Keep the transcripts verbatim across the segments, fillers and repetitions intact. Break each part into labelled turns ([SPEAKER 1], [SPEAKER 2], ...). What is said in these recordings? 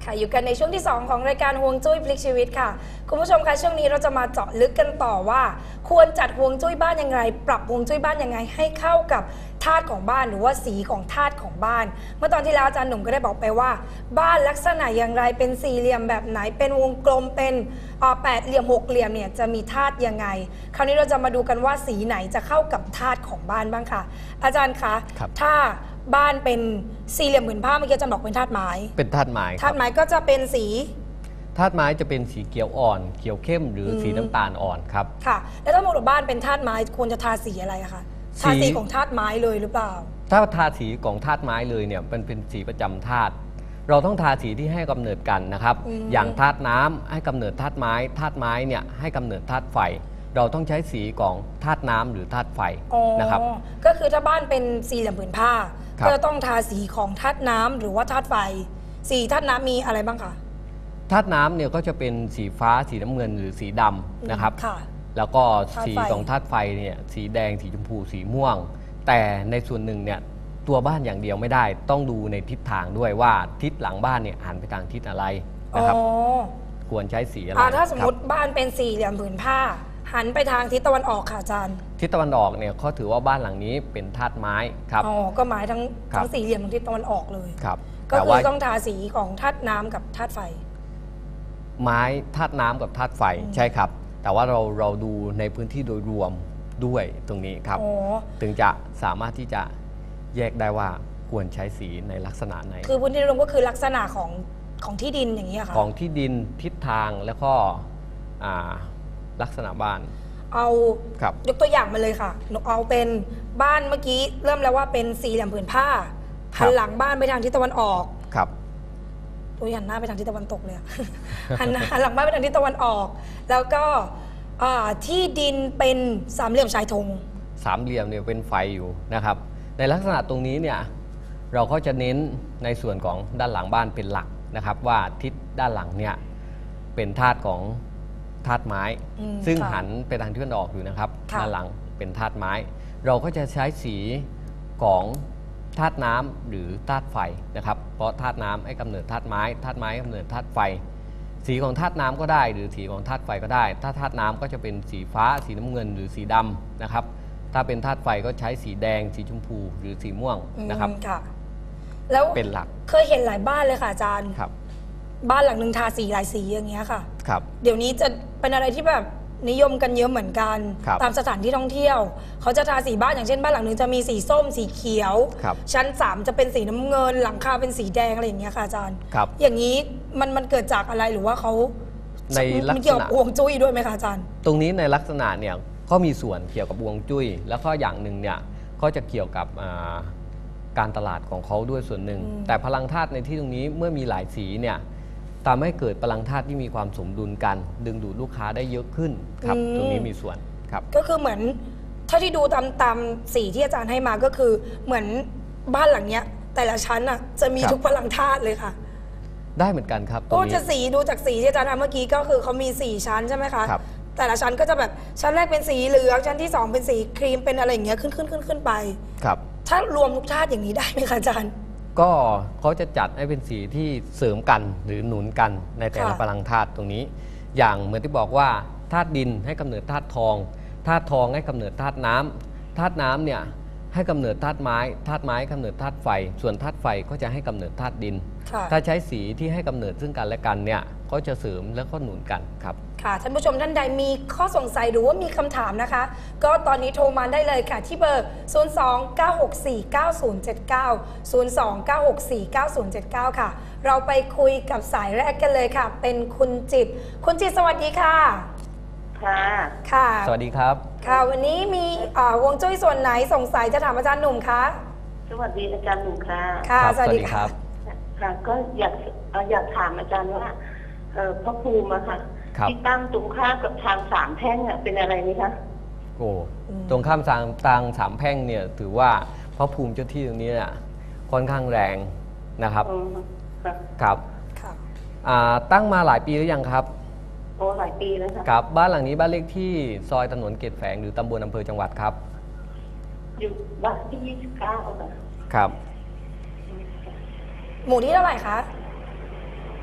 [SPEAKER 1] ค่ะอยู่กันในช่วงที่สองของรายการฮวงจุ้ยพลิกชีวิตค่ะคุณผู้ชมคะช่วงนี้เราจะมาเจาะลึกกันต่อว่าควรจัดฮวงจุ้ยบ้านยังไงปรับฮวงจุ้ยบ้านยังไงให้เข้ากับธาตุของบ้านหรือว่าสีของธาตุของบ้านเมื่อตอนที่แล้วอาจารย์หนุ่มก็ได้บอกไปว่าบ้านลักษณะอย่างไรเป็นสี่เหลี่ยมแบบไหนเป็นวงกลมเป็นแปดเหลี่ยมหกเหลี่ยมเนี่ยจะมีธาตุยังไงคราวนี้เราจะมาดูกันว่าสีไหนจะเข้ากับธาตุของบ้านบ้างค่ะอาจารย์คะถ้าบ้านเป็นสี่เหลี่ยมผืนผ้าเมื่อกี้อาจารย์บอกเป็นธาตุไม้
[SPEAKER 2] เป็นธาตุไม้
[SPEAKER 1] ธาตุไม้ก็จะเป็นสี
[SPEAKER 2] ธาตุไม้จะเป็นสีเขียวอ่อนเขียวเข้มหรือสีน้ำตาลอ่อนครับ
[SPEAKER 1] ค่ะแล้วถ้าหมดบ้านเป็นธาตุไม้ควรจะทาสีอะไรคะทาสีของธาตุไม้เลยหรือเปล่า
[SPEAKER 2] ถ้าทาสีของธาตุไม้เลยเนี่ยมันเป็นสีประจำธาตุเราต้องทาสีที่ให้กำเนิดกันนะครับอย่างธาตุน้ำให้กำเนิดธาตุไม้ธาตุไม้เนี่ยให้กำเนิดธาตุไฟเราต้องใช้สีของธาตุน้ำหรือธาตุไฟนะครับ
[SPEAKER 1] ก็คือถ้าบ้านเป็นสี่เหลี่ยมผืนผ้าก็ต้องทาสีของธาตุน้ำหรือว่าธาตุไฟสีธาตุน้ำมีอะไรบ้างคะ
[SPEAKER 2] ธาตุน้ำเนี่ยก็จะเป็นสีฟ้าสีน้ำเงินหรือสีดำนะครับแล้วก็สีของธาตุไฟเนี่ยสีแดงสีชมพูสีม่วงแต่ในส่วนหนึ่งเนี่ยตัวบ้านอย่างเดียวไม่ได้ต้องดูในทิศทางด้วยว่าทิศหลังบ้านเนี่ยหันไปทางทิศอะไรนะครับควรใช้สีอะไร
[SPEAKER 1] ถ้าสมมติบ้านเป็นสี่เหลี่ยมผืนผ้าหันไปทางทิศตะวันออกค่ะอาจารย์
[SPEAKER 2] ทิศตะวันออกเนี่ยเขาถือว่าบ้านหลังนี้เป็นธาตุไม้ครับ
[SPEAKER 1] อ๋อก็หมายทั้งทั้งสี่เหลี่ยมของทิศตะวันออกเลย
[SPEAKER 2] ครับ
[SPEAKER 1] ก็คือต้องทาสีของธาตุน้ำกับธาตุไฟ
[SPEAKER 2] ไม้ธาตุน้ำกับธาตุไฟใช่ครับแต่ว่าเราเราดูในพื้นที่โดยรวมด้วยตรงนี้ครับถึงจะสามารถที่จะแยกได้ว่าควรใช้สีในลักษณะไหน
[SPEAKER 1] คือพื้นที่รวมก็คือลักษณะของของที่ดินอย่างนี้ค่ะ
[SPEAKER 2] ของที่ดินทิศทางแล้วก็ลักษณะบ้าน
[SPEAKER 1] เอายกตัวอย่างมาเลยค่ะหนูเอาเป็นบ้านเมื่อกี้เริ่มแล้วว่าเป็นสี่เหลี่ยมผืนผ้าหันหลังบ้านไปทางทิศตะวันออก
[SPEAKER 2] ครับ
[SPEAKER 1] ตัวหันหน้าไปทางทิศตะวันตกเลยหันหันหลังบ้านไปทางทิศตะวันออกแล้วก็ที่ดินเป็นสามเหลี่ยมชายธง
[SPEAKER 2] สามเหลี่ยมเนี่ยเป็นไฟอยู่นะครับในลักษณะตรงนี้เนี่ยเราก็จะเน้นในส่วนของด้านหลังบ้านเป็นหลักนะครับว่าทิศด้านหลังเนี่ยเป็นธาตุของธาตุไม้ซึ่งหันไปทางทิศตะวันออกอยู่นะครับด้านหลังเป็นธาตุไม้เราก็จะใช้สีของธาตุน้ำหรือธาตุไฟนะครับเพราะธาตุน้ำให้กำเนิดธาตุไม้ธาตุไม้กำเนิดธาตุไฟสีของธาตุน้ำก็ได้หรือสีของธาตุไฟก็ได้ถ้าธาตุน้ำก็จะเป็นสีฟ้าสีน้ำเงินหรือสีดำนะครับถ้าเป็นธาตุไฟก็ใช้สีแดงสีชมพูหรือสีม่วงนะครับ
[SPEAKER 1] ค่ะแล้ว
[SPEAKER 2] เป็นหลัก
[SPEAKER 1] เคยเห็นหลายบ้านเลยค่ะอาจารย์
[SPEAKER 2] ครับ
[SPEAKER 1] บ้านหลังหนึ่งทาสีหลายสีอย่างเงี้ยค่ะ
[SPEAKER 2] ครับ
[SPEAKER 1] เดี๋ยวนี้จะเป็นอะไรที่แบบนิยมกันเยอะเหมือนกันตามสถานที่ท่องเที่ยวเขาจะทาสีบ้านอย่างเช่นบ้านหลังหนึ่งจะมีสีส้มสีเขียวชั้นสามจะเป็นสีน้ำเงินหลังคาเป็นสีแดงอะไรอย่างเงี้ยค่ะอาจารย์อย่างนี้มันมันเกิดจากอะไรหรือว่าเขา
[SPEAKER 2] ในลักษณะ
[SPEAKER 1] เกี่ยวกับฮวงจุ้ยด้วยไหมคะอาจารย์
[SPEAKER 2] ตรงนี้ในลักษณะเนี่ยก็มีส่วนเกี่ยวกับฮวงจุ้ยแล้วก็อย่างหนึ่งเนี่ยก็จะเกี่ยวกับการตลาดของเขาด้วยส่วนหนึ่งแต่พลังธาตุในที่ตรงนี้เมื่อมีหลายสีเนี่ยทำให้เกิดพลังธาตุที่มีความสมดุลกันดึงดูดลูกค้าได้เยอะขึ้นครับตรงนี้มีส่วนครับ
[SPEAKER 1] ก็คือเหมือนถ้าที่ดูตามตามสีที่อาจารย์ให้มาก็คือเหมือนบ้านหลังเนี้ยแต่ละชั้นอ่ะจะมีทุกพลังธาตุเลยค่ะ
[SPEAKER 2] ได้เหมือนกันครับ
[SPEAKER 1] ก็จะสีดูจากสีที่อาจารย์ทำเมื่อกี้ก็คือเขามีสี่ชั้นใช่ไหมคะ
[SPEAKER 2] ครับ
[SPEAKER 1] แต่ละชั้นก็จะแบบชั้นแรกเป็นสีเหลืองชั้นที่สองเป็นสีครีมเป็นอะไรอย่างเงี้ยขึ้นขึ้นขึ้นขึ้นไป
[SPEAKER 2] ครับ
[SPEAKER 1] ถ้ารวมทุกธาตุอย่างนี้ได้ไหมคะอาจารย์
[SPEAKER 2] ก็เขาจะจัดให้เป็นสีที่เสริมกันหรือหนุนกันในแต่ละพลังธาตุตรงนี้อย่างเหมือนที่บอกว่าธาตุดินให้กำเนิดธาตุทองธาตุทองให้กำเนิดธาตุน้ำธาตุน้ำเนี่ยให้กำเนิดธาตุไม้ธาตุไม้กำเนิดธาตุไฟส่วนธาตุไฟก็จะให้กำเนิดธาตุดินถ้าใช้สีที่ให้กำเนิดซึ่งกันและกันเนี่ยก็จะเสริมแล้วก็หนุนกันครับ
[SPEAKER 1] ค่ะท่านผู้ชมท่านใดมีข้อสงสัยหรือว่ามีคำถามนะคะก็ตอนนี้โทรมาได้เลยค่ะที่เบอร์ ศูนย์ สอง เก้า หก สี่ เก้า ศูนย์ เจ็ด เก้า ศูนย์ สอง เก้า หก สี่ เก้า ศูนย์ เจ็ด เก้า ค่ะเราไปคุยกับสายแรกกันเลยค่ะเป็นคุณจิตคุณจิตสวัสดีค่ะ
[SPEAKER 3] ค่ะ
[SPEAKER 1] ค่ะ
[SPEAKER 2] สวัสดีครับ
[SPEAKER 1] ค่ะวันนี้มีฮวงจุ้ยส่วนไหนสงสัยจะถามอาจารย์หนุ่มคะ
[SPEAKER 3] สวัสดีอาจารย์หนุ่มค่ะ
[SPEAKER 1] ค่ะสวัสดีครับ
[SPEAKER 3] ค่ะก็อยากอยากถามอาจารย์ว่าพระภูมิอะค่ะที่ตั้งตรงข้ามกับทางสามแพร่งเป็นอะไรนี่คะ
[SPEAKER 2] โอ้ตรงข้ามทางทางสามแพร่งเนี่ยถือว่าพระภูมิเจ้าที่ตรงนี้เนี่ยค่อนข้างแรงนะครับครับตั้งมาหลายปีหรือยังครับ
[SPEAKER 3] โอ้หลายปีแล้วค่ะ
[SPEAKER 2] ครับบ้านหลังนี้บ้านเลขที่ซอยถนนเกตแฝงหรือตำบลอำเภอจังหวัดครับ
[SPEAKER 3] อยู่บ้านที่ยี่สิบเก้าค่ะ
[SPEAKER 2] ครับ
[SPEAKER 1] หมู่ที่เท่าไหร่คะ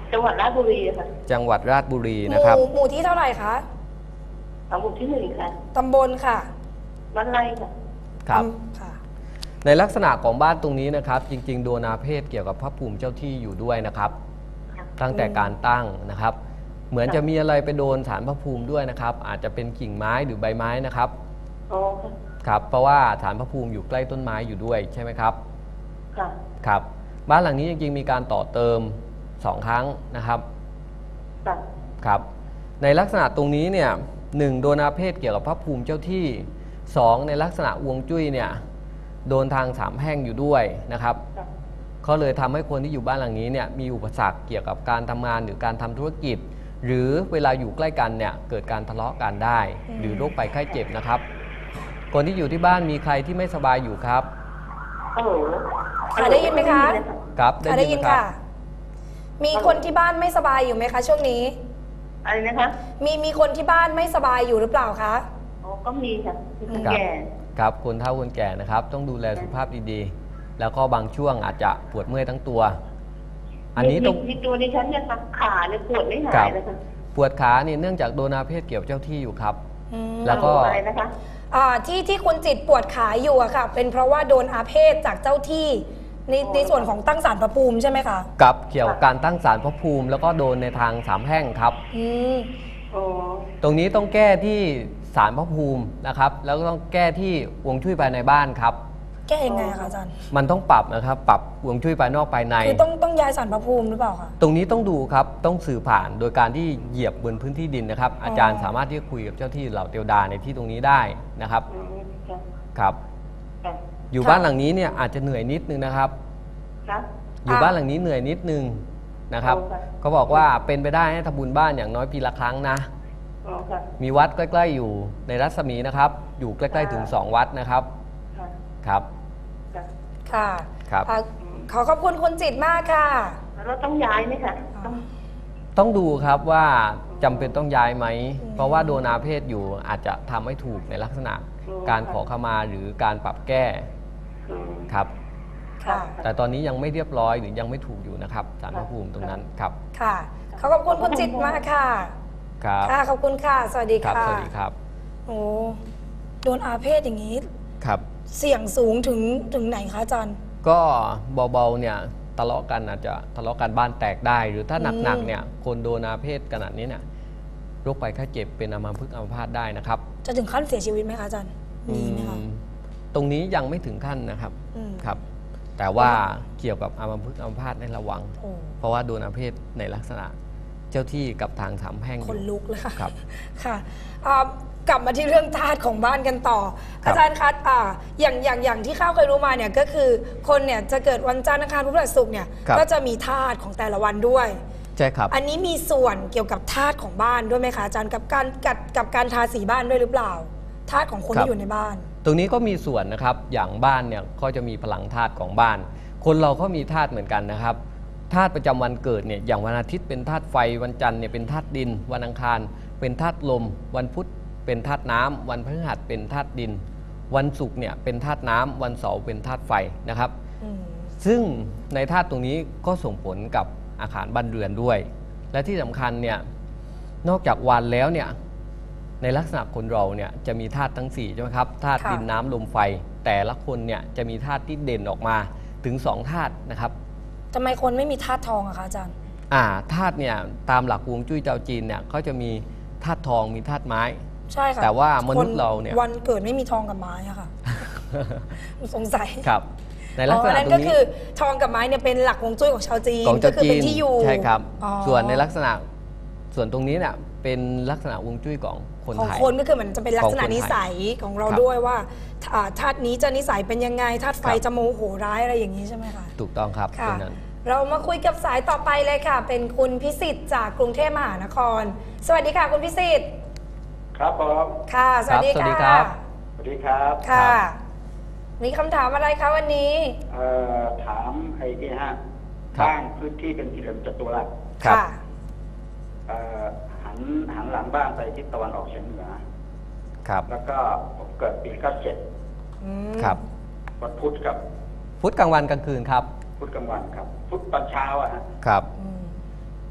[SPEAKER 3] จังหวัดราชบุรีค่ะ
[SPEAKER 2] จังหวัดราชบุรี
[SPEAKER 1] ห
[SPEAKER 2] นะครับ
[SPEAKER 1] มู่หมู่ที่เท่าไหร่คะ
[SPEAKER 3] สามหมู่ที่หนึ่งค่ะ
[SPEAKER 1] ตำบลค่ะ
[SPEAKER 3] บ้านไร่ค่ะ
[SPEAKER 2] ครับ
[SPEAKER 1] อำค่ะ
[SPEAKER 2] ในลักษณะของบ้านตรงนี้นะครับ จริง ๆ โดนอาเพศเกี่ยวกับพระภูมิเจ้าที่อยู่ด้วยนะครับ
[SPEAKER 3] ค่ะ
[SPEAKER 2] ตั้งแต่การตั้งนะครับ เหมือนจะมีอะไรไปโดนฐานพระภูมิด้วยนะครับ อาจจะเป็นกิ่งไม้หรือใบไม้นะครับ
[SPEAKER 3] อ๋อค่ะ
[SPEAKER 2] ครับ เพราะว่าฐานพระภูมิอยู่ใกล้ต้นไม้อยู่ด้วยใช่ไหมครับ
[SPEAKER 3] ค่ะ
[SPEAKER 2] ครับ บ้านหลังนี้จริงๆมีการต่อเติมสองครั้งนะครับ
[SPEAKER 3] ค่ะ
[SPEAKER 2] ครับ ในลักษณะตรงนี้เนี่ยหนึ่งโดนอาเพศเกี่ยวกับพระภูมิเจ้าที่สองในลักษณะฮวงจุ้ยเนี่ยโดนทางสามแพร่งอยู่ด้วยนะครับ
[SPEAKER 3] ค่ะ
[SPEAKER 2] ก็เลยทำให้คนที่อยู่บ้านหลังนี้เนี่ยมีอุปสรรคเกี่ยวกับการทำงานหรือการทำธุรกิจ หรือเวลาอยู่ใกล้กันเนี่ยเกิดการทะเลาะกันได้ หรือโรคภัยไข้เจ็บนะครับ คนที่อยู่ที่บ้านมีใครที่ไม่สบายอยู่ครับ
[SPEAKER 3] ฮัลโหล
[SPEAKER 1] ค่ะได้ยินไหมคะ
[SPEAKER 2] ครับ
[SPEAKER 1] ค่ะได้ยิน
[SPEAKER 2] ไหมครั
[SPEAKER 1] ค่ะ
[SPEAKER 2] บ
[SPEAKER 1] มีคนที่บ้านไม่สบายอยู่ไหมคะ ช่วงนี้
[SPEAKER 3] อะไรนะคะ
[SPEAKER 1] มีมีคนที่บ้านไม่สบายอยู่หรือเปล่าคะ
[SPEAKER 3] อ๋อก็มีค่ะมีคน
[SPEAKER 2] ครับ
[SPEAKER 3] แก่
[SPEAKER 2] ครับคนเฒ่าคนแก่นะครับ ต้องดูแลสุขภาพดีๆ แล้วก็บางช่วงอาจจะปวดเมื่อยทั้งตัว อันนี้ต้อง
[SPEAKER 3] มีมีตัวดิฉันเนี่ยค่ะขาเนี่ยปวดไม่หา
[SPEAKER 2] ครั
[SPEAKER 3] ย
[SPEAKER 2] บ
[SPEAKER 3] เลยค่ะ
[SPEAKER 2] ปวดขานี่เนื่องจากโดนอาเพศเกี่ยวเจ้าที่อยู่ครับ
[SPEAKER 1] อืม
[SPEAKER 2] แล้วก็
[SPEAKER 3] อะไรนะคะ
[SPEAKER 1] อ่าที่ที่คุณจิตปวดขาอยู่อะค่ะ เป็นเพราะว่าโดนอาเพศจากเจ้าที่ในในส่วนของตั้งศาลพระภูมิใช่ไหมคะ
[SPEAKER 2] กับเกี่ยวกับการตั้งศาลพระภูมิ แล้วก็โดนในทางสามแพร่งครับ
[SPEAKER 1] อืม
[SPEAKER 3] อ๋อ
[SPEAKER 2] ตรงนี้ต้องแก้ที่ศาลพระภูมินะครับ แล้วก็ต้องแก้ที่ฮวงจุ้ยภายในบ้านครับ
[SPEAKER 1] แก้ยังไงอะคะอาจารย์
[SPEAKER 2] มันต้องปรับนะครับ ปรับฮวงจุ้ยภายนอกภายใน
[SPEAKER 1] คือต้องต้องย้ายศาลพระภูมิหรือเปล่าคะ
[SPEAKER 2] ตรงนี้ต้องดูครับ ต้องสื่อผ่านโดยการที่เหยียบบนพื้นที่ดินนะครับ อาจารย์สามารถที่จะคุยกับเจ้าที่เหล่าเทวดาในที่ตรงนี้ได้นะครับ
[SPEAKER 3] อืมค่ะ
[SPEAKER 2] ครับ
[SPEAKER 3] ค่ะ
[SPEAKER 2] อยู่บ้านหลังนี้เนี่ยอาจจะเหนื่อยนิดนึงนะครับ
[SPEAKER 3] ครับ
[SPEAKER 2] อยู่บ้านหลังนี้เหนื่อยนิดนึงนะครับ
[SPEAKER 3] โอ้ค่ะ
[SPEAKER 2] เขาบอกว่าเป็นไปได้ให้ทำบุญบ้านอย่างน้อยปีละครั้งนะ
[SPEAKER 3] อ๋อค่ะ
[SPEAKER 2] มีวัดใกล้ๆอยู่ในรัศมีนะครับ อยู่ใกล้ๆถึงสองวัดนะครับ
[SPEAKER 3] ค่ะ
[SPEAKER 2] ครับ
[SPEAKER 3] ค่ะ
[SPEAKER 1] ค่ะ
[SPEAKER 2] ครับ
[SPEAKER 1] อ่าขอขอบคุณคุณจิตมากค่ะ
[SPEAKER 3] แล้วต้องย้ายไหมคะต้อง
[SPEAKER 2] ต้องดูครับว่าจำเป็นต้องย้ายไหม
[SPEAKER 1] อืม
[SPEAKER 2] เพราะว่าโดนอาเพศอยู่อาจจะทำให้ถูกในลักษณะการขอขมาหรือการปรับแก้
[SPEAKER 3] อืม
[SPEAKER 2] ครับ
[SPEAKER 1] ค่ะ
[SPEAKER 2] แต่ตอนนี้ยังไม่เรียบร้อยหรือยังไม่ถูกอยู่นะครับศาลพระภูมิตรงนั้นครับ
[SPEAKER 1] ค่ะขอขอบคุณคุณจิตมากค่ะ
[SPEAKER 2] ครับ
[SPEAKER 1] ค่ะ ขอบคุณค่ะ สวัสดี
[SPEAKER 2] ครับ
[SPEAKER 1] ค่ะ
[SPEAKER 2] สวัสดีครับ
[SPEAKER 1] โอ้โดนอาเพศอย่างนี้
[SPEAKER 2] ครับ
[SPEAKER 1] เสี่ยงสูงถึงถึงไหนคะอาจารย์
[SPEAKER 2] ก็เบาๆเนี่ยทะเลาะกันอาจจะทะเลาะกันบ้านแตกได้ หรือถ้าหนักๆเนี่ยคนโดนอาเพศขนาดนี้เนี่ยโรคภัยไข้เจ็บเป็นอัมพฤกษ์อัมพาตได้นะครับ
[SPEAKER 1] จะถึงขั้นเสียชีวิตไหมคะอาจารย์ มีไหมคะ
[SPEAKER 2] อืมตรงนี้ยังไม่ถึงขั้นนะครับ
[SPEAKER 1] อืม
[SPEAKER 2] ครับ แต่ว่าเกี่ยวกับอัมพฤกษ์อัมพาตให้ระวัง
[SPEAKER 1] โอ้
[SPEAKER 2] เพราะว่าโดนอาเพศในลักษณะเจ้าที่กับทางสามแพร่งอ
[SPEAKER 1] คน
[SPEAKER 2] ยู่
[SPEAKER 1] ลุกเลยค่ะ
[SPEAKER 2] ครับ
[SPEAKER 1] ค่ะอ่ากลับมาที่เรื่องธาตุของบ้านกันต่อ
[SPEAKER 2] ครับ
[SPEAKER 1] อาจารย์คะอ่าอย่างอย่างอย่างที่ข้าวเคยรู้มาเนี่ยก็คือคนเนี่ยจะเกิดวันจันทร์อังคารพุธพฤหัสศุกร์เนี่ยก็จะมีธาตุของแต่ละวันด้วย
[SPEAKER 2] ใช่ครับ
[SPEAKER 1] อันนี้มีส่วนเกี่ยวกับธาตุของบ้านด้วยไหมคะอาจารย์กับการกับกับการทาสีบ้านด้วยหรือเปล่าธาตุของคน
[SPEAKER 2] ครับ
[SPEAKER 1] ที่อยู่ในบ้าน
[SPEAKER 2] ตรงนี้ก็มีส่วนนะครับ อย่างบ้านเนี่ยก็จะมีพลังธาตุของบ้าน คนเราก็มีธาตุเหมือนกันนะครับ ธาตุประจำวันเกิดเนี่ย อย่างวันอาทิตย์เป็นธาตุไฟ วันจันทร์เนี่ยเป็นธาตุดิน วันอังคารเป็นธาตุลม วันพุธเป็นธาตุน้ำ วันพฤหัสเป็นธาตุดิน วันศุกร์เนี่ยเป็นธาตุน้ำ วันเสาร์เป็นธาตุไฟนะครับ
[SPEAKER 1] อืม
[SPEAKER 2] ซึ่งในธาตุตรงนี้ก็ส่งผลกับอาคารบ้านเรือนด้วย และที่สำคัญเนี่ย นอกจากวันแล้วเนี่ย ในลักษณะคนเราเนี่ยจะมีธาตุทั้งสี่ใช่ไหมครับ ธาตุ
[SPEAKER 1] ค่ะ
[SPEAKER 2] ดินน้ำลมไฟ แต่ละคนเนี่ยจะมีธาตุที่เด่นออกมาถึงสองธาตุนะครับ
[SPEAKER 1] ทำไมคนไม่มีธาตุทองอะคะอาจารย์
[SPEAKER 2] อ่าธาตุเนี่ยตามหลักฮวงจุ้ยเจ้าจีนเนี่ยเขาจะมีธาตุทองมีธาตุไม้
[SPEAKER 1] ใช่ค่ะ
[SPEAKER 2] แต่ว่ามนุษย์เราเนี่ย
[SPEAKER 1] ควันเกิดไม่มีทองกับไม้อะ ค่ะสงสัย
[SPEAKER 2] ครับ ในลักษ
[SPEAKER 1] อ๋อ
[SPEAKER 2] ณะ
[SPEAKER 1] นั่น
[SPEAKER 2] ตร
[SPEAKER 1] ก็
[SPEAKER 2] งนี้
[SPEAKER 1] คือทองกับไม้เนี่ยเป็นหลักฮวงจุ้ยของชาวจีน
[SPEAKER 2] ของ
[SPEAKER 1] ก็
[SPEAKER 2] เจ้า
[SPEAKER 1] คือ
[SPEAKER 2] จี
[SPEAKER 1] เป็น
[SPEAKER 2] น
[SPEAKER 1] ที่อยู่
[SPEAKER 2] ใช่ครับ
[SPEAKER 1] อ๋อ
[SPEAKER 2] ส่วนในลักษณะส่วนตรงนี้เนี่ยเป็นลักษณะฮวงจุ้ยของคน
[SPEAKER 1] ของ
[SPEAKER 2] ไทย
[SPEAKER 1] คนก็คือเหมือนจะเป็นลักษณะ
[SPEAKER 2] ของคนไทย
[SPEAKER 1] นิสัยของเรา
[SPEAKER 2] ครับ
[SPEAKER 1] ด้วยว่าอ่าธาตุนี้จะนิสัยเป็นยังไงธาตุไฟ
[SPEAKER 2] ครับ
[SPEAKER 1] จะโมโหร้ายอะไรอย่างนี้ใช่ไหมคะ
[SPEAKER 2] ถูกต้องครับ
[SPEAKER 1] ค่ะ
[SPEAKER 2] เป็นนั้น
[SPEAKER 1] เรามาคุยกับสายต่อไปเลยค่ะ เป็นคุณพิสิทธิ์จากกรุงเทพมหานคร สวัสดีค่ะคุณพิสิทธิ์
[SPEAKER 4] ครับผม
[SPEAKER 1] ค่ะ สวัสดี
[SPEAKER 2] ครับสวัสดี
[SPEAKER 1] ค่ะ
[SPEAKER 2] ครับ
[SPEAKER 4] สวัสดีครับ
[SPEAKER 1] ค่ะ
[SPEAKER 2] ครับ
[SPEAKER 1] มีคำถามอะไรคะวันนี้
[SPEAKER 4] เอ่อถามไอ้ที่ฮะ
[SPEAKER 2] ครับ
[SPEAKER 4] บ้านพื้นที่เป็นสี่เหลี่ยมจัตุรัส
[SPEAKER 2] ครับ
[SPEAKER 1] ค่ะ
[SPEAKER 4] เอ่อหันหันหลังบ้านไปทิศตะวันออกเฉียงเหนือ
[SPEAKER 2] ครับ
[SPEAKER 4] แล้วก็ผมเกิดปีเก้าเจ็ด
[SPEAKER 1] อืม
[SPEAKER 2] ครับ
[SPEAKER 4] วันพุธกับ
[SPEAKER 2] พุธกลางวันกลางคืนครับ
[SPEAKER 4] พุธกลางวันครับพุธตอนเช้าอะฮะ
[SPEAKER 2] ครับ
[SPEAKER 1] อืม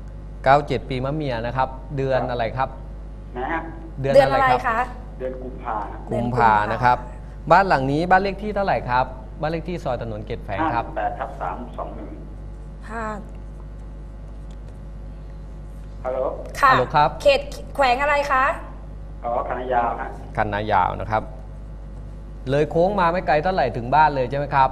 [SPEAKER 2] เก้าเจ็ดปีมะเมียนะครับ เดือนอะไรครับ
[SPEAKER 4] นะฮะ
[SPEAKER 2] เดือน
[SPEAKER 1] เดือน
[SPEAKER 2] อะ
[SPEAKER 1] อะไรไร
[SPEAKER 2] ครับ
[SPEAKER 1] คะ
[SPEAKER 4] เดือนกุมภา
[SPEAKER 2] กุมภานะครับ บ้านหลังนี้บ้านเลขที่เท่าไหร่ครับ บ้านเลขที่ซอยถนนเกตแฝงครับ
[SPEAKER 4] แปดทับสามสองหนึ่ง
[SPEAKER 1] ห้า
[SPEAKER 4] ฮัลโหล
[SPEAKER 1] ค่ะ
[SPEAKER 2] ฮัลโหลครับ
[SPEAKER 1] เขตแขวงอะไรคะ
[SPEAKER 4] อ๋อคณะยาวฮะ
[SPEAKER 2] คันนายาวนะครับ เลยโค้งมาไม่ไกลเท่าไหร่ถึงบ้านเลยใช่ไหมครับ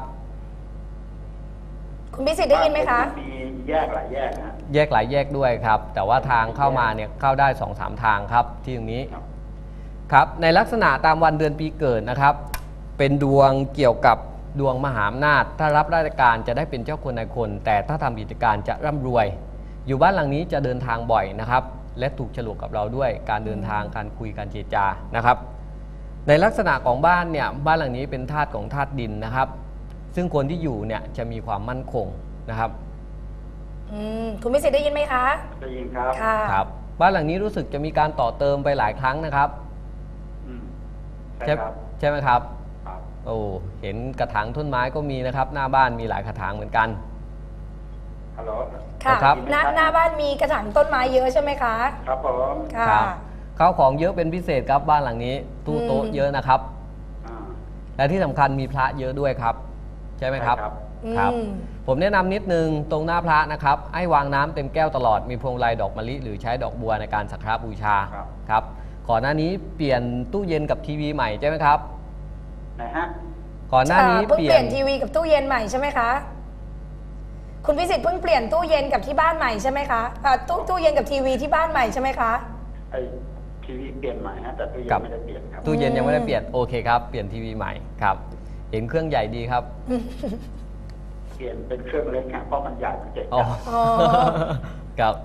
[SPEAKER 1] คุณพิสิทธิ์ได้ยินไหมคะ
[SPEAKER 4] มีแยกหลายแยกนะฮะ
[SPEAKER 2] แยกหลายแยกด้วยครับ แต่ว่าทางเข้ามาเนี่ยเข้าได้ สองสาม ทางครับที่ตรงนี้
[SPEAKER 4] ครับ
[SPEAKER 2] ครับในลักษณะตามวันเดือนปีเกิดนะครับ เป็นดวงเกี่ยวกับดวงมหาอำนาจถ้ารับราชการจะได้เป็นเจ้าคนนายคน แต่ถ้าทำกิจการจะร่ำรวย อยู่บ้านหลังนี้จะเดินทางบ่อยนะครับ และถูกฉลกกับเราด้วยการเดินทางการคุยการเจรจานะครับ ในลักษณะของบ้านเนี่ยบ้านหลังนี้เป็นธาตุของธาตุดินนะครับ ซึ่งคนที่อยู่เนี่ยจะมีความมั่นคงนะครับ
[SPEAKER 1] อืมคุณพิสิทธิ์ได้ยินไหมคะ
[SPEAKER 4] ได้ยินครับ
[SPEAKER 1] ค่ะ
[SPEAKER 2] ครับบ้านหลังนี้รู้สึกจะมีการต่อเติมไปหลายครั้งนะครับ
[SPEAKER 4] อืม
[SPEAKER 2] ใช่
[SPEAKER 4] ใช่ครับ
[SPEAKER 2] ใช่ไหมครับ
[SPEAKER 4] ครับ
[SPEAKER 2] โอ้เห็นกระถางต้นไม้ก็มีนะครับ หน้าบ้านมีหลายกระถางเหมือนกัน
[SPEAKER 4] ฮัลโหล
[SPEAKER 1] ค่ะ
[SPEAKER 2] ครับ
[SPEAKER 1] หน้าหน้าบ้านมีกระถางต้นไม้เยอะใช่ไหมคะ
[SPEAKER 4] ครับผม
[SPEAKER 1] ค่ะ
[SPEAKER 2] ครับข้าวของเยอะเป็นพิเศษครับบ้านหลังนี้ตู้โต๊ะ
[SPEAKER 1] อืม
[SPEAKER 2] เยอะนะครับ
[SPEAKER 4] อ่า
[SPEAKER 2] และที่สำคัญมีพระเยอะด้วยครับ ใช่ไหมครับ
[SPEAKER 4] ใช่ครับ
[SPEAKER 2] ครับ
[SPEAKER 1] อืม
[SPEAKER 2] ผมแนะนำนิดนึงตรงหน้าพระนะครับให้วางน้ำเต็มแก้วตลอดมีพวงมาลัยดอกมะลิหรือใช้ดอกบัวในการสักการะบูชา
[SPEAKER 4] ครับ
[SPEAKER 2] ครับก่อนหน้านี้เปลี่ยนตู้เย็นกับทีวีใหม่ใช่ไหมครับ
[SPEAKER 4] ไหนฮะ
[SPEAKER 2] ก่อนหน้านี้
[SPEAKER 1] เพิ่ง
[SPEAKER 2] เปลี่
[SPEAKER 1] เป
[SPEAKER 2] ย
[SPEAKER 1] ลี่
[SPEAKER 2] น
[SPEAKER 1] ยนทีวีกับตู้เย็นใหม่ใช่ไหมคะ คุณพิสิทธิ์เพิ่งเปลี่ยนตู้เย็นกับที่บ้านใหม่ใช่ไหมคะอ่าตู้ตู้เย็นกับทีวีที่บ้านใหม่ใช่ไหมคะ
[SPEAKER 4] ไอทีวีเปลี่ยนใหม่ฮะแต่ตู้เย็
[SPEAKER 2] ครั
[SPEAKER 4] น
[SPEAKER 2] บ
[SPEAKER 4] ไม่ได้เปลี่ยนครับ
[SPEAKER 2] ตู้เย็นยังไม่ได้เปลี่ยนโอเคครับเปลี่ยนทีวีใหม่ครับเห็นเครื่องใหญ่ดีครับ
[SPEAKER 4] เปลี่ยนเป็นเครื่องเล็กฮะเพราะมันใหญ่มันเจ๋ง
[SPEAKER 2] อ๋อ
[SPEAKER 1] อ๋อ
[SPEAKER 2] ครับ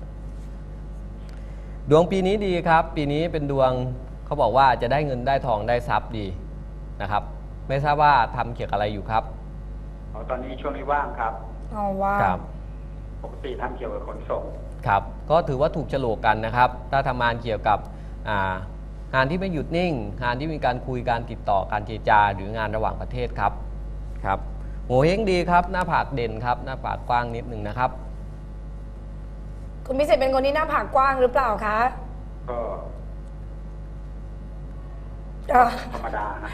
[SPEAKER 2] ดวงปีนี้ดีครับ ปีนี้เป็นดวงเขาบอกว่าจะได้เงินได้ทองได้ทรัพย์ดีนะครับ ไม่ทราบว่าทำเกี่ยวกับอะไรอยู่ครับ
[SPEAKER 4] อ๋อตอนนี้ช่วงนี้ว่างครับ
[SPEAKER 1] เอาว่า
[SPEAKER 2] ครับ
[SPEAKER 4] ปกติทำเกี่ยวกับขนส่ง
[SPEAKER 2] ครับก็ถือว่าถูกโฉลกกันนะครับ ถ้าทำงานเกี่ยวกับอ่างานที่ไม่หยุดนิ่ง งานที่มีการคุยการติดต่อการเจรจาหรืองานระหว่างประเทศครับครับโหเฮงดีครับ หน้าผากเด่นครับ หน้าผากกว้างนิดหนึ่งนะครับ
[SPEAKER 1] คุณพิสิทธิ์เป็นคนที่หน้าผากกว้างหรือเปล่าคะ
[SPEAKER 4] ก็
[SPEAKER 1] เอ่อ
[SPEAKER 4] ธรรมดาฮะ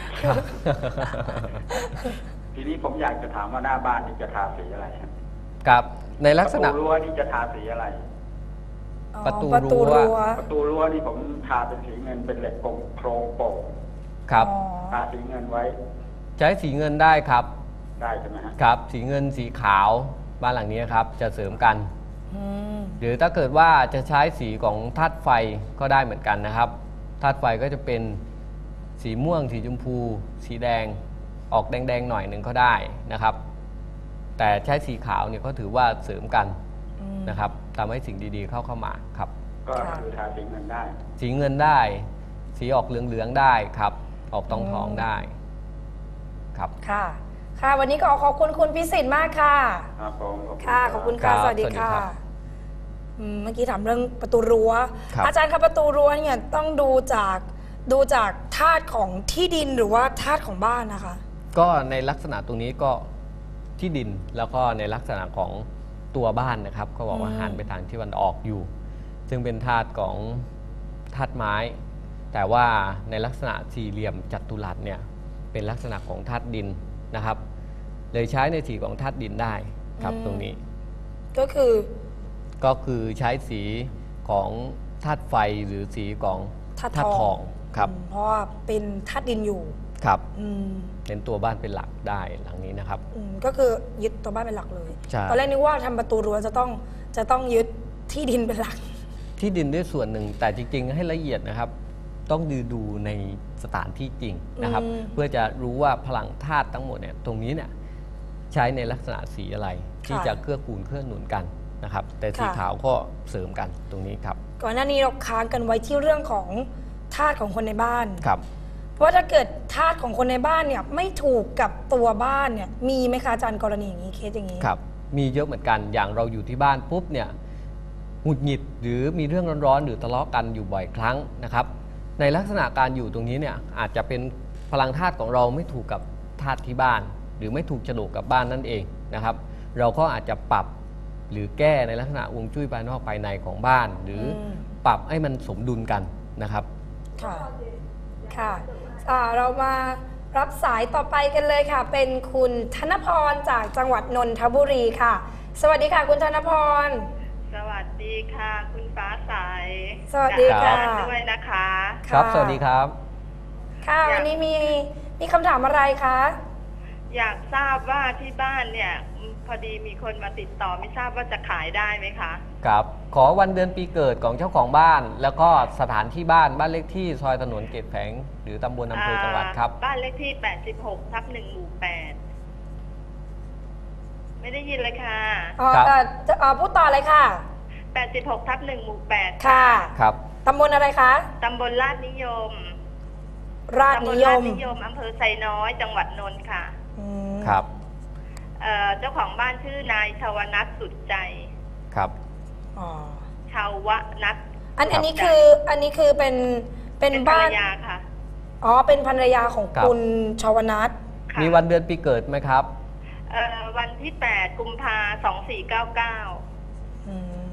[SPEAKER 4] ทีนี้ผมอยากจะถามว่าหน้าบ้านนี่จะทาสีอะไรฮะ
[SPEAKER 2] ครับในลักษณะ
[SPEAKER 4] ประตูรั้วนี่จะทาสีอะไร
[SPEAKER 1] อ๋อ
[SPEAKER 2] ประตู
[SPEAKER 1] ประตู
[SPEAKER 2] รั้
[SPEAKER 1] รั้
[SPEAKER 2] ว
[SPEAKER 1] ว
[SPEAKER 4] ประตูรั้วนี่ผมทาเป็นสีเงินเป็นเหล็กโครงโครงโป่ง
[SPEAKER 2] ครับ
[SPEAKER 1] อ๋อ
[SPEAKER 4] ทาสีเงินไว้
[SPEAKER 2] ใช้สีเงินได้ครับ
[SPEAKER 4] ได้ใช่ไหมฮะ
[SPEAKER 2] ครับสีเงินสีขาวบ้านหลังนี้ครับจะเสริมกัน
[SPEAKER 1] อืม
[SPEAKER 2] หรือถ้าเกิดว่าจะใช้สีของธาตุไฟก็ได้เหมือนกันนะครับธาตุไฟก็จะเป็นสีม่วง สีชมพู สีแดงออกแดงๆหน่อยหนึ่งก็ได้นะครับ แต่ใช้สีขาวเนี่ยก็ถือว่าเสริมกัน
[SPEAKER 1] อืม
[SPEAKER 2] นะครับทำให้สิ่งดีๆเข้าเข้ามาครับ
[SPEAKER 4] ก็
[SPEAKER 1] ค่ะ
[SPEAKER 4] คือทาสีเงินได้
[SPEAKER 2] สีเงินได้ สีออกเหลืองๆได้ครับ ออกทองทองๆได้ครับ
[SPEAKER 1] ค่ะ ค่ะ วันนี้ก็ขอบคุณคุณพิสิทธิ์มากค่ะ
[SPEAKER 4] ครับผมขอบณ
[SPEAKER 1] ค่ะ ขอบคุณ
[SPEAKER 2] ครั
[SPEAKER 1] ค่ะ
[SPEAKER 2] บ
[SPEAKER 1] สวัสดี
[SPEAKER 2] สวัสดี
[SPEAKER 1] ค่ะ
[SPEAKER 2] ครับ
[SPEAKER 1] อืมเมื่อกี้ถามเรื่องประตูรั้ว
[SPEAKER 2] ครับ
[SPEAKER 1] อาจารย์ครับประตูรั้วเนี่ยต้องดูจากดูจากธาตุของที่ดินหรือว่าธาตุของบ้านนะคะ
[SPEAKER 2] ก็ในลักษณะตรงนี้ก็ที่ดินแล้วก็ในลักษณะของตัวบ้านนะครับก็บอกว่า
[SPEAKER 1] อืม
[SPEAKER 2] หันไปทางที่วันออกอยู่ ซึ่งเป็นธาตุของธาตุไม้ แต่ว่าในลักษณะสี่เหลี่ยมจัตุรัสเนี่ยเป็นลักษณะของธาตุดินนะครับ เลยใช้ในสีของธาตุดินได้ครับตรงนี้
[SPEAKER 1] ก็คือ
[SPEAKER 2] ก็คือใช้สีของธาตุไฟหรือสีของ
[SPEAKER 1] ธาตุ
[SPEAKER 2] ธาตุ
[SPEAKER 1] ท
[SPEAKER 2] ท
[SPEAKER 1] อ
[SPEAKER 2] อง งครับ
[SPEAKER 1] อืมเพราะว่าเป็นธาตุดินอยู่
[SPEAKER 2] ครับ
[SPEAKER 1] อืม
[SPEAKER 2] เป็นตัวบ้านเป็นหลักได้หลังนี้นะครับ
[SPEAKER 1] อืมก็คือยึดตัวบ้านเป็นหลักเลย
[SPEAKER 2] ใช่
[SPEAKER 1] ตอนแรกนึกว่าทำประตูรั้วจะต้องจะต้องยึดที่ดินเป็นหลัก
[SPEAKER 2] ที่ดินด้วยส่วนหนึ่งแต่จริงๆให้ละเอียดนะครับ ต้องดูดูในสถานที่จริงนะครับ
[SPEAKER 1] อืม
[SPEAKER 2] เพื่อจะรู้ว่าพลังธาตุทั้งหมดเนี่ยตรงนี้เนี่ยใช้ในลักษณะสีอะไร ที่จะเกื้อกูลเกื้อหนุนกันนะครับ แต่สีขาวก็เสริมกันตรงนี้ครับ
[SPEAKER 1] ก่อนหน้านี้เราค้างกันไว้ที่เรื่องของธาตุของคนในบ้าน
[SPEAKER 2] ครับ
[SPEAKER 1] เพราะว่าถ้าเกิดธาตุของคนในบ้านเนี่ยไม่ถูกกับตัวบ้านเนี่ยมีไหมคะอาจารย์กรณีอย่างนี้เคสอย่างนี้
[SPEAKER 2] ครับ มีเยอะเหมือนกันอย่างเราอยู่ที่บ้านปุ๊บเนี่ยหงุดหงิดหรือมีเรื่องร้อนๆหรือทะเลาะกันอยู่บ่อยครั้งนะครับ ในลักษณะการอยู่ตรงนี้เนี่ยอาจจะเป็นพลังธาตุของเราไม่ถูกกับธาตุที่บ้าน หรือไม่ถูกโฉลกกับบ้านนั่นเองนะครับ เราก็อาจจะปรับหรือแก้ในลักษณะฮวงจุ้ยภายนอกภายในของบ้าน หรืออ
[SPEAKER 1] ม
[SPEAKER 2] ปรับให้มันสมดุลกันนะครับ
[SPEAKER 1] ค่ะค่ะอ่าเรามารับสายต่อไปกันเลยค่ะ เป็นคุณธนพรจากจังหวัดนนทบุรีค่ะ สวัสดีค่ะคุณธนพร
[SPEAKER 3] สวัสดีค่ะ คุณฟ้าใส
[SPEAKER 1] สวัสดีค่ะ
[SPEAKER 3] จากบ้านด้วยนะคะ
[SPEAKER 2] ครับ
[SPEAKER 1] ค่ะ
[SPEAKER 2] สวัสดีครับ
[SPEAKER 1] ค่ะ
[SPEAKER 3] อยาก
[SPEAKER 1] วันนี้มีมีคำถามอะไรคะ
[SPEAKER 3] อยากทราบว่าที่บ้านเนี่ยอืมพอดีมีคนมาติดต่อไม่ทราบว่าจะขายได้ไหมคะ
[SPEAKER 2] ครับ ขอวันเดือนปีเกิดของเจ้าของบ้าน แล้วก็สถานที่บ้านบ้านเลขที่ซอยถนนเกตแผงหรือตำบลอำเภอจังหวัดครับ
[SPEAKER 3] บ้านเลขที่แปดสิบหกทับหนึ่งหมู่แปดไม่ได้ยินเลยค่ะ
[SPEAKER 1] อ๋อ
[SPEAKER 2] ครับ
[SPEAKER 1] เอ่อจะเอ่อพูดต่อเลยค่ะ
[SPEAKER 3] แปดสิบหกทับหนึ่งหมู่แปด
[SPEAKER 1] ค่ะ
[SPEAKER 2] ครับ
[SPEAKER 1] ตำบลอะไรคะ
[SPEAKER 3] ตำบลลาดนิยม
[SPEAKER 1] ราช
[SPEAKER 3] ตำบ
[SPEAKER 1] นิ
[SPEAKER 3] ล
[SPEAKER 1] ย
[SPEAKER 3] ลาด
[SPEAKER 1] ม
[SPEAKER 3] นิยมอำเภอไซน้อยจังหวัดนนท์ค่ะ
[SPEAKER 1] อืม
[SPEAKER 2] ครับ
[SPEAKER 3] เอ่อเจ้าของบ้านชื่อนายชวนัทสุดใจ
[SPEAKER 2] ครับ
[SPEAKER 1] อ๋อ
[SPEAKER 3] ชาวนัท
[SPEAKER 1] อัน
[SPEAKER 2] ครับ
[SPEAKER 1] อันนี้คืออันนี้คือเป็นเป็น
[SPEAKER 3] เป็นภร
[SPEAKER 1] บ้าร น
[SPEAKER 3] ยาค่ะ
[SPEAKER 1] อ๋อเป็นภรรยาของ
[SPEAKER 2] ครับ
[SPEAKER 1] คุณชวนัท
[SPEAKER 3] ค่ะ
[SPEAKER 2] มีวันเดือนปีเกิดไหมครับ
[SPEAKER 3] เอ่อวันที่แปดกุมภาสองสี่เก้าเก้า
[SPEAKER 1] อืม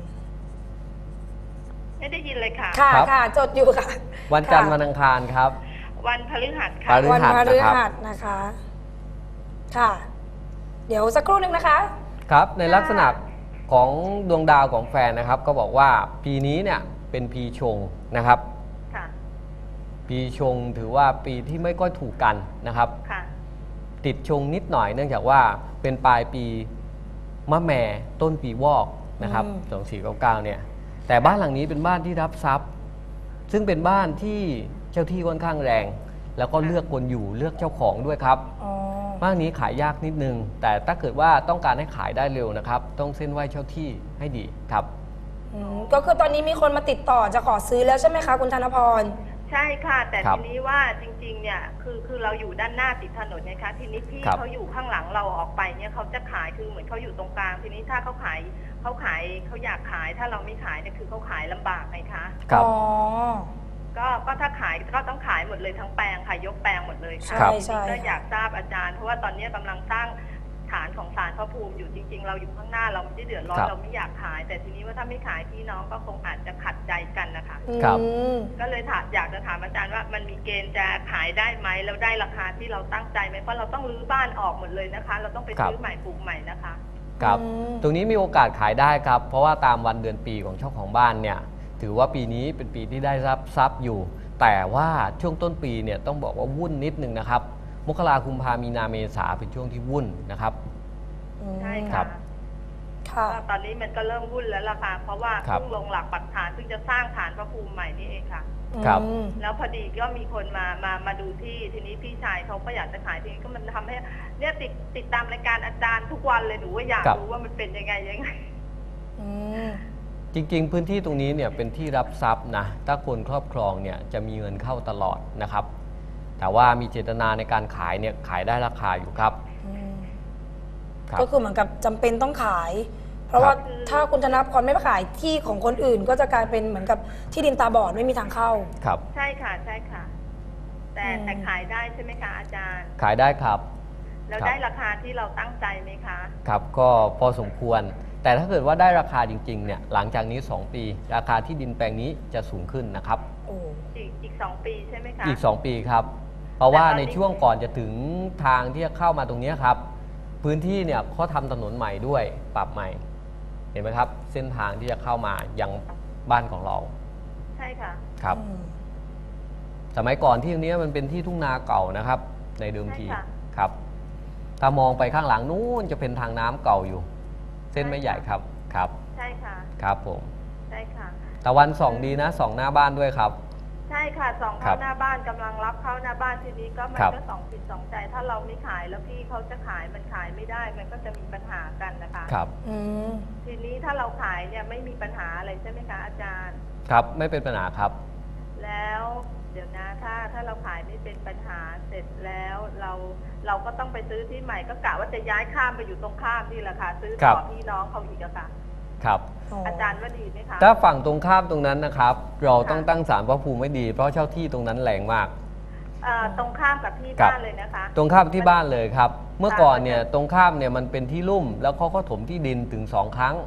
[SPEAKER 3] ไม่ได้ยินเลยค่ะ
[SPEAKER 1] ค่ะ
[SPEAKER 2] ครับ
[SPEAKER 1] ค่ะจดอยู่ค่ะ
[SPEAKER 2] วันจันทร์
[SPEAKER 1] ค่ะ
[SPEAKER 2] วันอังคารครับ
[SPEAKER 3] วันพฤหัส
[SPEAKER 2] พ
[SPEAKER 3] ค่ะ
[SPEAKER 2] ฤ
[SPEAKER 1] วัน
[SPEAKER 2] หัส
[SPEAKER 1] พฤ
[SPEAKER 2] นะครับ
[SPEAKER 1] หัสนะคะ ค่ะ เดี๋ยวสักครู่หนึ่งนะคะ
[SPEAKER 2] ครับ ในลักษณะของดวงดาวของแฟนนะครับ ก็บอกว่าปีนี้เนี่ยเป็นปีชงนะครับ
[SPEAKER 3] ค่ะ
[SPEAKER 2] ปีชงถือว่าปีที่ไม่ค่อยถูกกันนะครับ
[SPEAKER 3] ค่ะ
[SPEAKER 2] ติดชงนิดหน่อยเนื่องจากว่าเป็นปลายปีมะแม่ต้นปีวอกนะครับ
[SPEAKER 1] อืม
[SPEAKER 2] สองสี่เก้าเก้าเนี่ย แต่บ้านหลังนี้เป็นบ้านที่รับทรัพย์ ซึ่งเป็นบ้านที่เจ้าที่ค่อนข้างแรง แล้วก็เลือกคนอยู่เลือกเจ้าของด้วยครับ
[SPEAKER 1] อ๋อ
[SPEAKER 2] บ้านนี้ขายยากนิดนึง แต่ถ้าเกิดว่าต้องการให้ขายได้เร็วนะครับ ต้องเส้นไหว้เจ้าที่ให้ดีครับ
[SPEAKER 1] อืมก็คือตอนนี้มีคนมาติดต่อจะขอซื้อแล้วใช่ไหมคะคุณธนพร
[SPEAKER 3] ใช่ค่ะ แต่
[SPEAKER 2] ครับ
[SPEAKER 3] ทีนี้ว่าจริงๆ เนี่ยคือคือเราอยู่ด้านหน้าติดถนนนะคะทีนี้พี่
[SPEAKER 2] ครับ
[SPEAKER 3] เขาอยู่ข้างหลังเราออกไปเนี่ยเขาจะขายคือเหมือนเขาอยู่ตรงกลาง ทีนี้ถ้าเขาขายเขาขายเขาอยากขายถ้าเราไม่ขายเนี่ยคือเขาขายลำบากไงคะ
[SPEAKER 2] ครับ
[SPEAKER 1] อ๋อ
[SPEAKER 3] ก็ก็ถ้าขายก็ต้องขายหมดเลยทั้งแปลงค่ะยกแปลงหมดเลยค่ะ
[SPEAKER 2] ครับ
[SPEAKER 1] ใช่
[SPEAKER 3] ทีนี้ก็
[SPEAKER 1] ใช่
[SPEAKER 3] อยากทราบอาจารย์เพราะว่าตอนนี้กำลังสร้างฐานของศาลพระภูมิอยู่จริง ๆ เราอยู่ข้างหน้าเราไม่ได้เดือดร้อน
[SPEAKER 2] ครับ
[SPEAKER 3] เราไม่อยากขาย แต่ทีนี้ว่าถ้าไม่ขายพี่น้องก็คงอาจจะขัดใจกันนะคะ
[SPEAKER 2] ครับ
[SPEAKER 1] อืม
[SPEAKER 3] ก็เลยถามอยากจะถามอาจารย์ว่ามันมีเกณฑ์จะขายได้ไหมแล้วได้ราคาที่เราตั้งใจไหมเพราะเราต้องรื้อบ้านออกหมดเลยนะคะ เราต้องไป
[SPEAKER 2] ครับ
[SPEAKER 3] ซื้อใหม่ปลูกใหม่นะคะ
[SPEAKER 2] ครับ
[SPEAKER 1] อืม
[SPEAKER 2] ตรงนี้มีโอกาสขายได้ครับ เพราะว่าตามวันเดือนปีของเจ้าของบ้านเนี่ย ถือว่าปีนี้เป็นปีที่ได้รับทรัพย์อยู่ แต่ว่าช่วงต้นปีเนี่ยต้องบอกว่าวุ่นนิดนึงนะครับ มกราคมกุมภามีนาเมษาเป็นช่วงที่วุ่นนะครับ
[SPEAKER 1] อืม
[SPEAKER 3] ใช่
[SPEAKER 2] ครั
[SPEAKER 3] ค่ะ
[SPEAKER 2] บ
[SPEAKER 1] ค่ะ
[SPEAKER 3] ก็ตอนนี้มันก็เริ่มวุ่นแล้วล่ะค่ะเพราะว่า
[SPEAKER 2] ครับ
[SPEAKER 3] เพิ่งลงหลักปักฐานเพิ่งจะสร้างฐานพระภูมิใหม่นี่เองค่ะ
[SPEAKER 2] ครับ
[SPEAKER 1] อืม
[SPEAKER 3] แล้วพอดีก็มีคนมามามาดูที่ทีนี้พี่ชายเขาก็อยากจะขายทีนี้ก็มันทำให้เนี่ยติดติดตามรายการอาจารย์ทุกวันเลยหนูว่าอยาก
[SPEAKER 2] ครับ
[SPEAKER 3] รู้ว่ามันเป็นยังไงยังไง
[SPEAKER 1] อืม
[SPEAKER 2] จริงๆ พื้นที่ตรงนี้เนี่ยเป็นที่รับทรัพย์นะ ถ้าคนครอบครองเนี่ยจะมีเงินเข้าตลอดนะครับ แต่ว่ามีเจตนาในการขายเนี่ยขายได้ราคาอยู่ครับ
[SPEAKER 1] อืม
[SPEAKER 2] ครับ
[SPEAKER 1] ก็คือเหมือนกับจำเป็นต้องขาย เพราะว่า
[SPEAKER 3] ครับ
[SPEAKER 1] ถ้าคุณธนพรไม่ไปขายที่ของคนอื่น ก็จะกลายเป็นเหมือนกับที่ดินตาบอดไม่มีทางเข้า
[SPEAKER 2] ครับ
[SPEAKER 3] ใช่ค่ะใช่ค่ะ แต่
[SPEAKER 1] อืม
[SPEAKER 3] แต่ขายได้ใช่ไหมคะอาจารย์
[SPEAKER 2] ขายได้ครับ
[SPEAKER 3] แล้ว
[SPEAKER 2] ครับ
[SPEAKER 3] ได้ราคาที่เราตั้งใจไหมคะ
[SPEAKER 2] ครับก็พอสมควร แต่ถ้าเกิดว่าได้ราคาจริงๆเนี่ยหลังจากนี้ สอง ปี ราคาที่ดินแปลงนี้จะสูงขึ้นนะครับ
[SPEAKER 1] โอ้
[SPEAKER 3] อีกอีกสองปีใช่ไหมคะ
[SPEAKER 2] อีก สอง ปีครับ เพราะว่า
[SPEAKER 3] แต่ตอน
[SPEAKER 2] ใน
[SPEAKER 3] นี้
[SPEAKER 2] ช่วงก่อนจะถึงทางที่จะเข้ามาตรงนี้ครับ พื้นที่เนี่ยเขาทำถนนใหม่ด้วยปรับใหม่ เห็นไหมครับ เส้นทางที่จะเข้ามายังบ้านของเรา
[SPEAKER 3] ใช่ค่ะ
[SPEAKER 2] ครับ
[SPEAKER 1] อืม
[SPEAKER 2] สมัยก่อนที่ตรงนี้มันเป็นที่ทุ่งนาเก่านะครับ ในเดิมที
[SPEAKER 3] ใช่ค่ะ
[SPEAKER 2] ครับ ถ้ามองไปข้างหลังนู้นจะเป็นทางน้ำเก่าอยู่ เส้นไม่ใหญ่ครับครับ
[SPEAKER 3] ใช่ค่ะ
[SPEAKER 2] ครับผม
[SPEAKER 3] ใช่ค่ะ
[SPEAKER 2] ตะวันส่องดีนะส่องหน้าบ้านด้วยครับ
[SPEAKER 3] ใช่ค่ะสอง
[SPEAKER 2] ครั
[SPEAKER 3] เข้า
[SPEAKER 2] บ
[SPEAKER 3] หน้าบ้านกำลังรับเข้าหน้าบ้านทีนี้ก็มัน
[SPEAKER 2] ครับ
[SPEAKER 3] ก็สองจิตสองใจ ถ้าเราไม่ขายแล้วพี่เขาจะขายมันขายไม่ได้ มันก็จะมีปัญหากันนะคะ
[SPEAKER 2] ครับ
[SPEAKER 1] อืม
[SPEAKER 3] ทีนี้ถ้าเราขายเนี่ยไม่มีปัญหาอะไรใช่ไหมคะอาจารย์
[SPEAKER 2] ครับไม่เป็นปัญหาครับ
[SPEAKER 3] แล้วเดี๋ยวนะถ้าถ้าเราขายไม่เป็นปัญหาเสร็จแล้วเราเราก็ต้องไปซื้อที่ใหม่ก็กะว่าจะย้ายข้ามไปอยู่ตรงข้ามนี่แหละค่ะซื้อ
[SPEAKER 2] ครั
[SPEAKER 3] ต่
[SPEAKER 2] บ
[SPEAKER 3] อพี่น้องเขาอีกอะค่ะ
[SPEAKER 2] ครับ
[SPEAKER 3] อาจารย์ว่าดีไหมคะ
[SPEAKER 2] ถ้าฝั่งตรงข้ามตรงนั้นนะครับ เราต้อง
[SPEAKER 3] ค่ะ
[SPEAKER 2] ตั้งศาลพระภูมิไว้ดี เพราะเช่าที่ตรงนั้นแรงมาก
[SPEAKER 3] เอ่อตรงข้ามกับที่
[SPEAKER 2] ครับ
[SPEAKER 3] บ้านเลยนะคะ
[SPEAKER 2] ตรงข้ามที่บ้านเลยครับ เมื่อก่อนเนี่ย
[SPEAKER 3] ค่ะ
[SPEAKER 2] ตรงข้ามเนี่ยมันเป็นที่ลุ่ม แล้วเขาก็ถมที่ดินถึงสองครั้ง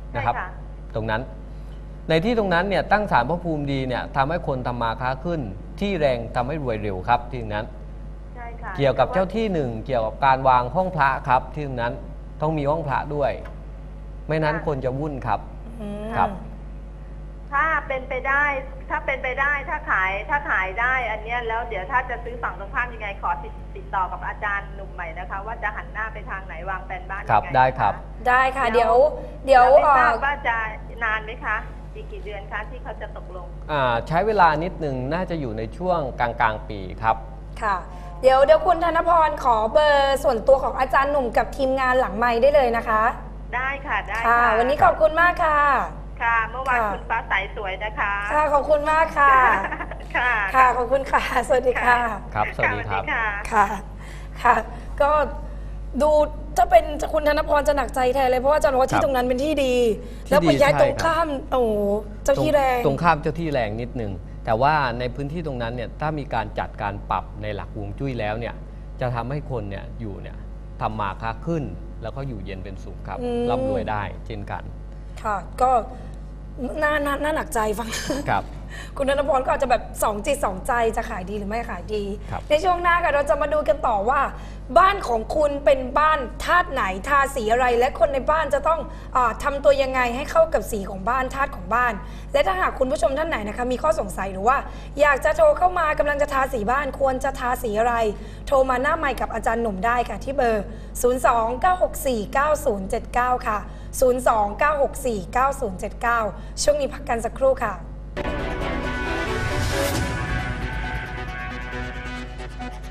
[SPEAKER 2] นะครับ
[SPEAKER 3] ใช่ค่ะ
[SPEAKER 2] ตรงนั้น ในที่ตรงนั้นเนี่ยตั้งศาลพระภูมิดีเนี่ยทำให้คนทำมาค้าขึ้น ที่แรงทำให้รวยเร็วครับที่ตรงนั้น
[SPEAKER 3] ใช่ค่ะ
[SPEAKER 2] เกี่ยวกับเจ้าที่หนึ่งเกี่ยวกับการวางห้องพระครับที่ตรงนั้นต้องมีห้องพระด้วย ไม่นั้นคนจะวุ่นครับ
[SPEAKER 1] อืม
[SPEAKER 2] ครับ
[SPEAKER 3] ถ้าเป็นไปได้ ถ้าเป็นไปได้ถ้าขายถ้าขายได้อันเนี้ยแล้วเดี๋ยวถ้าจะซื้อฝั่งตรงข้ามยังไงขอติดติดต่อกับอาจารย์หนุ่มใหม่นะคะ ว่าจะหันหน้าไปทางไหนวางแผนบ้านยัง
[SPEAKER 2] ค
[SPEAKER 3] ไง
[SPEAKER 2] รับได้ครับ
[SPEAKER 3] นะะ
[SPEAKER 1] ได้ค่ะ เดี๋ยวเดี๋ยว
[SPEAKER 3] แล้วไม่
[SPEAKER 1] เอ่
[SPEAKER 3] ทรา
[SPEAKER 1] อ
[SPEAKER 3] บว่าจะนานไหมคะอีกกี่เดือนคะที่เขาจะตกลง
[SPEAKER 2] อ่าใช้เวลานิดหนึ่งน่าจะอยู่ในช่วงกลางกลางๆปีครับ
[SPEAKER 1] ค่ะ เดี๋ยวเดี๋ยวคุณธนพรขอเบอร์ส่วนตัวของอาจารย์หนุ่มกับทีมงานหลังไมค์ได้เลยนะคะ
[SPEAKER 3] ได้ค่ะได้
[SPEAKER 1] ค่ะ
[SPEAKER 3] ค่ะ
[SPEAKER 1] วันนี้ขอบคุณมากค่ะ
[SPEAKER 3] ค่ะ เมื่อวาน
[SPEAKER 1] ค่ะ
[SPEAKER 3] คุณฟ้าใสสวยนะคะ
[SPEAKER 1] ค่ะขอบคุณมากค่ะ
[SPEAKER 3] ค่ะ
[SPEAKER 1] ค่ะขอบคุณค่ะ สวัสดีค่ะ
[SPEAKER 2] ครับสวัสดีครับ
[SPEAKER 3] ค่ะ
[SPEAKER 1] ค่ะ ค่ะ ก็ดูถ้าเป็นคุณธนพรจะหนักใจแทนเลยเพราะว่าอาจารย์บอกว่า
[SPEAKER 2] ครั
[SPEAKER 1] ที่
[SPEAKER 2] บ
[SPEAKER 1] ตรงนั้นเป็นที่ดี
[SPEAKER 2] ที่
[SPEAKER 1] แล้วไป
[SPEAKER 2] ดี
[SPEAKER 1] ย้าย
[SPEAKER 2] ใช่
[SPEAKER 1] ตรง
[SPEAKER 2] ครับ
[SPEAKER 1] ข้ามโอ้โหเจ้าที่แรง
[SPEAKER 2] ตรงข้ามเจ้าที่แรงนิดหนึ่งแต่ว่าในพื้นที่ตรงนั้นเนี่ยถ้ามีการจัดการปรับในหลักฮวงจุ้ยแล้วเนี่ยจะทำให้คนเนี่ยอยู่เนี่ยทำมาค้าขึ้น แล้วก็อยู่เย็นเป็นสุขครับ
[SPEAKER 1] อืม
[SPEAKER 2] ร่ำรวยได้เช่นกัน
[SPEAKER 1] ค่ะ ก็น่าน่าน่าหนักใจฟัง
[SPEAKER 2] ครับ
[SPEAKER 1] คุณธนพรก็อาจจะแบบสองจิตสองใจจะขายดีหรือไม่ขายดี
[SPEAKER 2] ครับ
[SPEAKER 1] ในช่วงหน้าค่ะเราจะมาดูกันต่อว่า บ้านของคุณเป็นบ้านธาตุไหนทาสีอะไร และคนในบ้านจะต้องอาทำตัวยังไงให้เข้ากับสีของบ้านธาตุของบ้าน และถ้าหากคุณผู้ชมท่านไหนนะคะมีข้อสงสัยหรือว่า อยากจะโทรเข้ามากำลังจะทาสีบ้านควรจะทาสีอะไร โทรมาหน้าไมค์กับอาจารย์หนุ่มได้ค่ะที่เบอร์ ศูนย์ สอง เก้า หก สี่ เก้า ศูนย์ เจ็ด เก้า ค่ะ ศูนย์ สอง เก้า หก สี่ เก้า ศูนย์ เจ็ด เก้า ช่วงนี้พักกันสักครู่ค่ะ